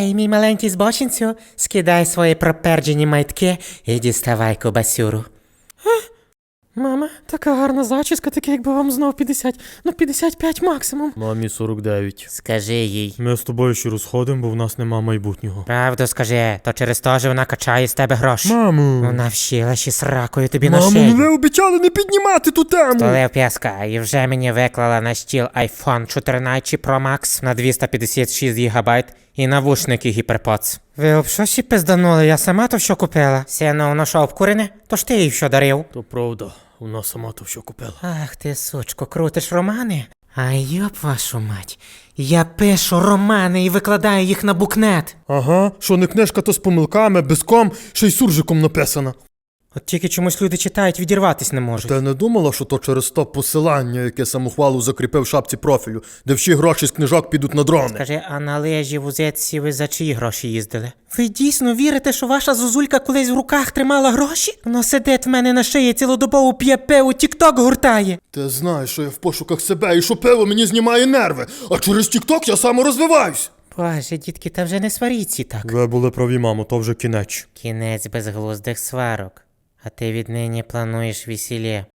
Гей, мій маленький збочинцю, скидай свої проперджені майтки і діставай кубасюру. Мама, така гарна зачіска, таке якби вам знов 50, 55 максимум. Мамі 49. Скажи їй. Ми з тобою ще розходимо, бо в нас нема майбутнього. Правду скажи, то через те, що вона качає з тебе гроші. Мамо! Вона вщила ще сракою тобі на Мамо, шию. ви обіцяли не піднімати ту тему! Столив п'яска і вже мені виклала на стіл iPhone 14 Pro Max на 256 ГБ і навушники HyperPods. Ви об що ще пизданули? Я сама то що купила? Сіно, воно що, обкурене? То ж ти їй що дарив? То правда, вона сама то що купила. Ах ти, сучко, крутиш романи? А йоп вашу мать, я пишу романи і викладаю їх на букнет. Ага, що не книжка, то з помилками, без ком, ще й суржиком написана. От тільки чомусь люди читають, відірватись не можуть. Ти не думала, що то через то посилання, яке самохвалу закріпив в шапці профілю, де всі гроші з книжок підуть на дрони? Скажи, а на лежі в узетці ви за чиї гроші їздили? Ви дійсно вірите, що ваша зозулька колись в руках тримала гроші? Вона сидить в мене на шиї, цілодобово п'є пиво, тік-ток гуртає. Ти знаєш, що я в пошуках себе і що пиво мені знімає нерви, а через тік-ток я саморозвиваюсь. Боже, дітки, та вже не сваріться так. Ви були праві, мамо, то вже кінець. Кінець безглуздих сварок. А ти віднині плануєш весілля.